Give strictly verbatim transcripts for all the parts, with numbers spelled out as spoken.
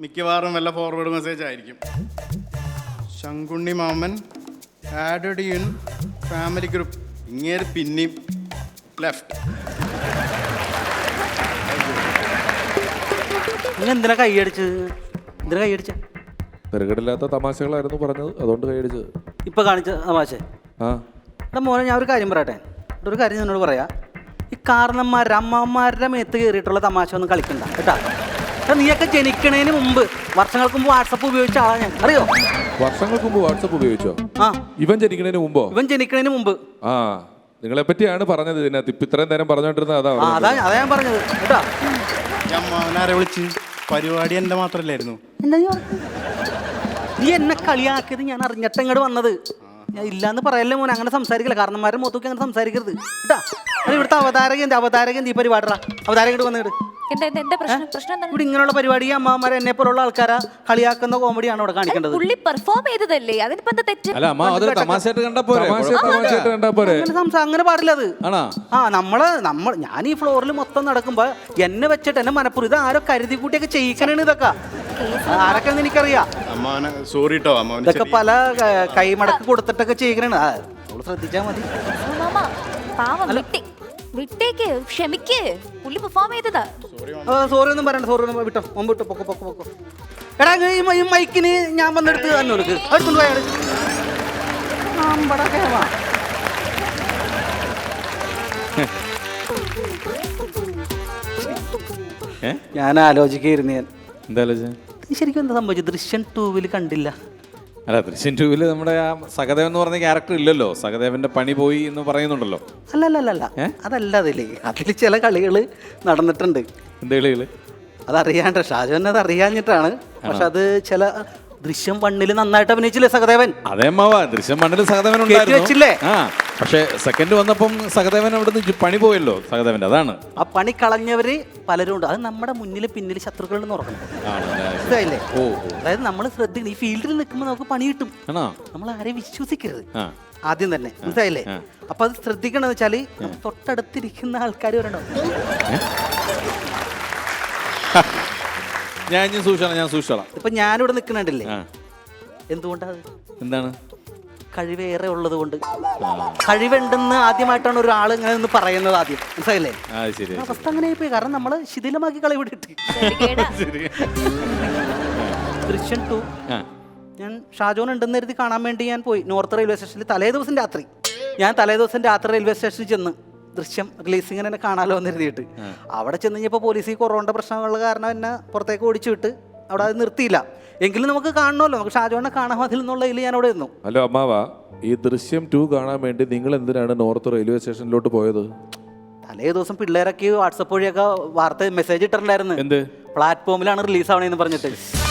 മിക്കവാറും വല്ല forward message ആയിരിക്കും. ശങ്കുണ്ണി മാമൻ ആഡഡ് ഇൻ ഫാമിലി ഗ്രൂപ്പ്. ഇങ്ങനെ പിന്നെയും ലെഫ്റ്റ്. എന്തിനാ കൈയടിച്ച് എന്തിനാ കൈയടിച്ച? തിരക്കടില്ലാത്ത തമാശകളായിരുന്നു പറഞ്ഞത്, അതുകൊണ്ട് കൈയടിച്ചത്. ഇപ്പൊ കാണിച്ച തമാശ. ആ എടാ മോനെ, ഞാൻ ഒരു കാര്യം പറയട്ടെ. ഒരു കാര്യം എന്നോട് പറയാ, ഈ കാരണന്മാരുടെ അമ്മമാരുടെ മേത്ത് കയറിയിട്ടുള്ള തമാശ ഒന്നും കളിക്കണ്ട കേട്ടാ. എടാ നീയൊക്കെ ജനിക്കണേന് മുമ്പ്, വർഷങ്ങൾക്ക് മുമ്പ് വാട്സപ്പ് ഉപയോഗിച്ച ആളാ ഞാൻ, അറിയോ? വർഷങ്ങൾക്ക് മുമ്പ് വാട്സപ്പ് ഉപയോഗിച്ചോ? ആ, ഇവൻ ജനിക്കണേന് മുമ്പോ? ഇവൻ ജനിക്കണേന് മുമ്പ്. ആ, നിങ്ങളെ പറ്റിയാണ് പറഞ്ഞത് ഇതിനകത്ത്. ഇപ്പൊ ഇത്രയും നേരം പറഞ്ഞോണ്ടിരുന്നത് അതാ. ആ, അതാ അതാ ഞാൻ പറഞ്ഞത് കേട്ടാ. ഞാൻ മാമനാരെ വിളിച്ച് പരിപാടി എൻ്റെ മാത്രല്ലായിരുന്നു. എന്താ നീ പറഞ്ഞത്? നീ എന്നെ കളിയാക്കിയത് ഞാൻ അറിഞ്ഞിട്ട് ഇങ്ങോട്ട് വന്നത്. ഞാൻ ഇല്ലാന്ന് പറയല്ലേ മോനെ, അങ്ങനെ സംസാരിക്കില്ല. കാരണന്മാരുടെ മുഖത്തൊക്കെ അങ്ങനെ സംസാരിക്കരുത് കേട്ടാ. അത് ഇവിടുത്തെ അവതാരകൻ അവതാരകൻ ഈ പരിപാടിടാ. അവതാരകൻ വന്നിട്ട് എന്താ എന്താ പ്രശ്നം? പ്രശ്നം എന്താണ്? ഇവിടെ ഇങ്ങനെയുള്ള പരിപാടി അമ്മമാരെ എന്നെ പോലുള്ള ആൾക്കാരെ കളിയാക്കുന്ന കോമഡിയാണ് ഇവിടെ കാണിക്കേണ്ടത്. പുള്ളി പെർഫോം ചെയ്തതല്ലേ, അതിനിപ്പോ എന്താ തെറ്റ്? അല്ല അമ്മ അതൊരു തമാശയായിട്ട് കണ്ടാ പോരെ? തമാശയായിട്ട് കണ്ടാ പോരെ? അങ്ങനെ സംസാ- അങ്ങനെ പാടില്ല അത്. ആണോ? ആ, നമ്മള് നമ്മൾ ഞാൻ ഈ ഫ്ലോറിൽ മൊത്തം നടക്കുമ്പോ എന്നെ വെച്ചിട്ട് എന്നെ മനപ്പുറം ഇത് ആരോ കരുതി കൂട്ടിയൊക്കെ ചെയ്യിക്കണേണ്. ഇതൊക്കെ ആരൊക്കെ എനിക്കറിയാം. അമ്മാവനെ സോറി കേട്ടോ. അമ്മാവൻ ഇതൊക്കെ പല ക- കൈമടക്ക് കൊടുത്തിട്ടൊക്കെ ചെയ്യിക്കണേണ്. ആ, നമ്മള് ശ്രദ്ധിച്ചാ മതി. മാമ പാവം വിട്ടി വിട്ടേക്ക്, ക്ഷമിക്ക്. പുള്ളി പെർഫോം ചെയ്തതാ. സോറി ഒന്നും പറയണ്ട, സോറി ഒന്നും വിട്ടോ, മുമ്പ് വിട്ടോ, പൊക്കോ പൊക്കോ പൊക്കോ. എടാ ഈ മ- ഈ മൈക്കിന് ഞാൻ വന്നെടുത്ത് തന്നെ കൊടുക്ക്, എടുത്തുകൊണ്ട് പോയാൽ ഞാൻ ആലോചിക്കായിരുന്നു. ഞാൻ എന്താ ആലോചന? ഇത് ശരിക്കും എന്താ സംഭവിച്ചത്? ദൃശ്യം ടൂവിൽ കണ്ടില്ല. അല്ല, ദൃശ്യം ടൂവില് നമ്മുടെ ആ സഹദേവൻ എന്ന് പറഞ്ഞ ക്യാരക്ടർ ഇല്ലല്ലോ. സഹദേവന്റെ പണി പോയി എന്ന് പറയുന്നുണ്ടല്ലോ. അല്ല അല്ല അല്ല അല്ല അതല്ല. അതില് അതിൽ ചില കളികൾ നടന്നിട്ടുണ്ട്. എന്താ കളികള്? അതറിയാണ്ട് ഷാജുവിനെ അത് അറിയാഞ്ഞിട്ടാണ്. പക്ഷെ അത് ചില ദൃശ്യം വണ്ണില് നന്നായിട്ട് അഭിനയിച്ചില്ലേ സഹദേവൻ? അതേ മാവാ, ദൃശ്യം മണ്ണിൽ സഹദേവൻ കേറ്റി വെച്ചില്ലേ? ആ, പക്ഷെ സെക്കൻഡ് വന്നപ്പം സഹദേവൻ അവിടുന്ന് പണി പോയല്ലോ സഹദേവന്റെ. അതാണ് ആ പണി കളഞ്ഞവര് പലരും ഉണ്ട്. അത് നമ്മുടെ മുന്നിൽ പിന്നിൽ ശത്രുക്കളുണ്ടെന്ന് ഓർക്കണം. മനസ്സിലായില്ലേ? ഓ, അതായത് നമ്മൾ ശ്രദ്ധിക്കണം. ഈ ഫീൽഡിൽ നിൽക്കുമ്പോൾ നമുക്ക് പണി കിട്ടും. ആണോ? നമ്മൾ ആരെയും വിശ്വസിക്കരുത് ആ, ആദ്യം തന്നെ. മനസ്സിലായില്ലേ? അപ്പൊ അത് ശ്രദ്ധിക്കണം. എന്ന് വെച്ചാല് തൊട്ടടുത്തിരിക്കുന്ന ആൾക്കാർ വരണോ. ഞാൻ ഇനി സൂക്ഷിച്ചോളാം, ഞാൻ സൂക്ഷിച്ചോളാം. ഇപ്പൊ ഞാനിവിടെ നിൽക്കണുണ്ടല്ലേ, ആ, എന്തുകൊണ്ടാ? എന്താണ്? കഴിവേറെ ഉള്ളത് കൊണ്ട്. കഴിവുണ്ടെന്ന് ആദ്യമായിട്ടാണ് ഒരാൾ ഇങ്ങനെ ഒന്ന് പറയുന്നത് ആദ്യം. മനസ്സിലായില്ലേ? ആ, ശരി. അവസ്ഥ അങ്ങനെ പോയി. കാരണം നമ്മള് ശിഥിലമാക്കി കളി വിട്ടിട്ട്. ദൃശ്യം ടു ഞാൻ ഷാജോൻ ഉണ്ടെന്ന് കരുതി കാണാൻ വേണ്ടി ഞാൻ പോയി. നോർത്ത് റെയിൽവേ സ്റ്റേഷനിൽ തലേ ദിവസം രാത്രി ഞാൻ തലേ ദിവസം രാത്രി റെയിൽവേ സ്റ്റേഷനിൽ ചെന്ന് ദൃശ്യം റിലീസിങ്ങനെ എന്നെ കാണാലോ എന്ന് എഴുതിയിട്ട് അവിടെ ചെന്ന് കഴിഞ്ഞപ്പോൾ പോലീസ് ഈ കൊറോണയുടെ പ്രശ്നങ്ങളുടെ കാരണം എന്നെ പുറത്തേക്ക് ഓടിച്ചു വിട്ട് അവിടെ അത് നിർത്തിയില്ല. എങ്കിലും നമുക്ക് കാണണമല്ലോ, നമുക്ക് ഷാജോനെ കാണാൻ മതിൽ എന്നുള്ളതിൽ ഞാൻ അവിടെ ഇരുന്നു. ഹലോ അമ്മാവ, ഈ ദൃശ്യം ടു കാണാൻ വേണ്ടി നിങ്ങൾ എന്തിനാണ് നോർത്ത് റെയിൽവേ സ്റ്റേഷനിലോട്ട് പോയത്? തലേ ദിവസം പിള്ളേരൊക്കെ വാട്സപ്പ് വഴിയൊക്കെ വാർത്ത മെസ്സേജ് ഇട്ടിട്ടുണ്ടായിരുന്നു. എന്ത് പ്ലാറ്റ്ഫോമിലാണ് റിലീസ് ആവണേന്ന് പറഞ്ഞിട്ട്.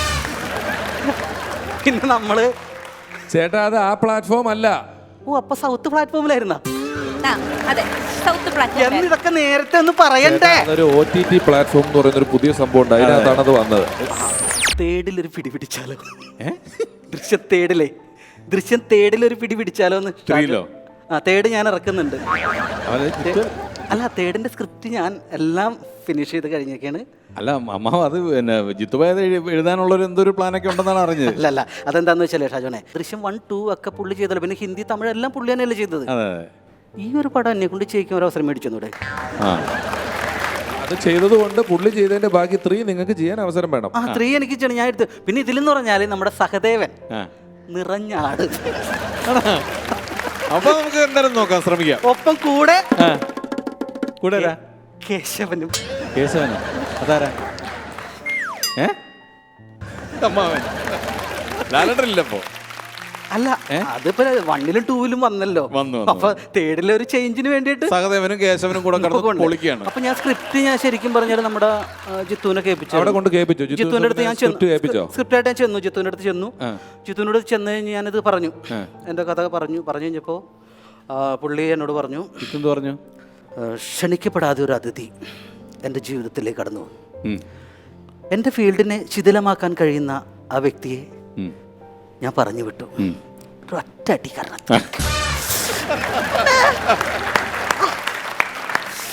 പിന്നെ നമ്മള് ചേട്ടാ അത് ആ പ്ലാറ്റ്ഫോം അല്ല. ഓ, അപ്പൊ സൗത്ത് പ്ലാറ്റ്ഫോമിലായിരുന്ന. ആ, അതെ, സൗത്ത് പ്ലാറ്റ്ഫോം. ഇതൊക്കെ നേരത്തെ ഒന്ന് പറയണ്ടേ? അതൊരു ഒ ടി ടി പ്ലാറ്റ്ഫോം എന്ന് പറയുന്ന ഒരു പുതിയ സംഭവം ഉണ്ട്, അതിനകത്താണ് അത് വന്നത്. തേടിലൊരു പിടി പിടിച്ചാലോ? ദൃശ്യം തേടിലേ ദൃശ്യം തേടിലൊരു പിടി പിടിച്ചാലോ എന്ന്. ആ, തേട് ഞാൻ ഇറക്കുന്നുണ്ട്. അല്ല, തേടിന്റെ സ്ക്രിപ്റ്റ് ഞാൻ എല്ലാം ഫിനിഷ് ചെയ്ത് കഴിഞ്ഞൊക്കെയാണ്. അല്ല അമ്മാവ്, അത് പിന്നെ ജിത്തുബായത് എഴുതാനുള്ളൊരു എന്തൊരു പ്ലാനൊക്കെ ഉണ്ടെന്നാണ് അറിഞ്ഞത്. അല്ല അല്ല അതെന്താന്ന് വെച്ചാലേ ഷാജോനെ, ദൃശ്യം വൺ ടു ഒക്കെ പുള്ളി ചെയ്തല്ലോ. പിന്നെ ഹിന്ദി തമിഴ് എല്ലാം പുള്ളി തന്നെയല്ലേ ചെയ്തത്. അതെ, ഈ ഒരു പടം എന്നെ കൊണ്ട് ചെയ്യിക്കാൻ ഒരു അവസരം മേടിച്ചൂടെ? ആ, അത് ചെയ്തതുകൊണ്ട് പുള്ളി ചെയ്തതിന്റെ ബാക്കി ത്രീ നിങ്ങൾക്ക് ചെയ്യാൻ അവസരം വേണം. ആ, ത്രീ എനിക്ക് ചെയ്യണം, ഞാൻ എടുത്ത്. പിന്നെ ഇതിലെന്ന് പറഞ്ഞാല് നമ്മുടെ സഹദേവൻ നിറഞ്ഞാട്. അപ്പൊ നമുക്ക് എന്തായാലും നോക്കാം, ശ്രമിക്കാം. ഒപ്പം കൂടെ കൂടെ കേശവനും. കേശവനോ? അതാരാ? ഏ അമ്മാവൻ ലാലണ്ടറില്ലപ്പോ? അല്ല, അതിപ്പോ വണ്ണിലും ടൂവിലും വന്നല്ലോ. വന്നു. അപ്പൊ തേർഡിലെ ഒരു ചേഞ്ചിന് വേണ്ടിയിട്ട് സഹദേവനും കേശവനും കൂടെ കിടന്ന് പൊളിക്കുകയാണ്. അപ്പൊ ഞാൻ സ്ക്രിപ്റ്റ് ഞാൻ ശരിക്കും പറഞ്ഞാൽ നമ്മുടെ ജിത്തുവിനെ കേൾപ്പിച്ചു. അവിടെ കൊണ്ട് കേൾപ്പിച്ചു. ജിത്തുവിന്റെ അടുത്ത് ഞാൻ കേൾപ്പിച്ചോ? സ്ക്രിപ്റ്റ് ആയിട്ട് ഞാൻ ചെന്നു, ജിത്തുവിന്റെ അടുത്ത് ചെന്നു. ജിത്തുവിനോട് ചെന്ന് കഴിഞ്ഞ് ഞാനിത് പറഞ്ഞു, എന്റെ കഥ പറഞ്ഞു. പറഞ്ഞു കഴിഞ്ഞപ്പോ പുള്ളി എന്നോട് പറഞ്ഞു, ജിത്തു പറഞ്ഞു, ക്ഷണിക്കപ്പെടാതെ ഒരു അതിഥി എൻ്റെ ജീവിതത്തിലേക്ക് കടന്നു. എൻ്റെ ഫീൽഡിനെ ശിഥിലമാക്കാൻ കഴിയുന്ന ആ വ്യക്തിയെ ഞാൻ പറഞ്ഞു വിട്ടു. ഒറ്റ അടി കാരണം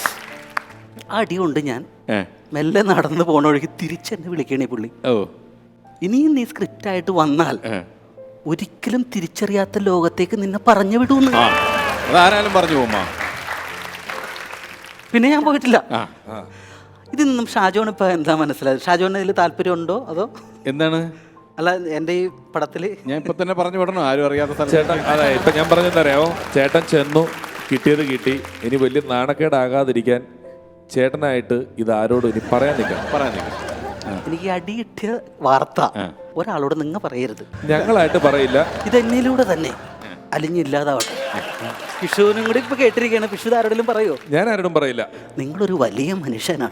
ആ അടി കൊണ്ട് ഞാൻ മെല്ലെ നടന്നു പോണ വഴിക്ക് തിരിച്ചെന്നെ വിളിക്കണേ പുള്ളി. ഓ, ഇനിയും നീ സ്ക്രിപ്റ്റായിട്ട് വന്നാൽ ഒരിക്കലും തിരിച്ചറിയാത്ത ലോകത്തേക്ക് നിന്നെ പറഞ്ഞു വിടൂന്ന്. ആ അതാരായാലും പറഞ്ഞു പോമ്മാ. പിന്നെ ഞാൻ പോയിട്ടില്ല. ആ ഇതിൽ നിന്നും ഷാജോൺ ഇപ്പൊ എന്താ മനസ്സിലായത്? ഷാജോണിന് ഇതിൽ താല്പര്യമുണ്ടോ അതോ? എന്താണ്? അല്ല എൻ്റെ ഈ പടത്തില് ഞാൻ ഇപ്പൊ തന്നെ പറഞ്ഞു വിടണോ? ആരും അറിയാത്ത സ്ഥലം. ചേട്ടൻ അതെ ഇപ്പൊ ഞാൻ പറഞ്ഞെന്തറിയാമോ, ചേട്ടൻ ചെന്നു, കിട്ടിയത് കിട്ടി, ഇനി വലിയ നാണക്കേടാകാതിരിക്കാൻ ചേട്ടനായിട്ട് ഇത് ആരോടും ഇനി പറയാൻ നിൽക്കാം. പറയാൻ നിൽക്കാം. എനിക്ക് ഈ അടി കിട്ടിയ വാർത്ത ഒരാളോട് നിങ്ങൾ പറയരുത്. ഞങ്ങളായിട്ട് പറയില്ല, ഇത് എന്നിലൂടെ തന്നെ അലിഞ്ഞില്ലാതാവട്ടെ. പിഷുവിനും കൂടി ഇപ്പൊ കേട്ടിരിക്കുകയാണ്. പിഷു ആരോടെങ്കിലും പറയോ? ഞാൻ ആരോടും പറയില്ല. നിങ്ങളൊരു വലിയ മനുഷ്യനാണ്.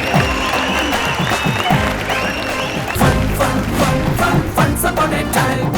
Once upon a time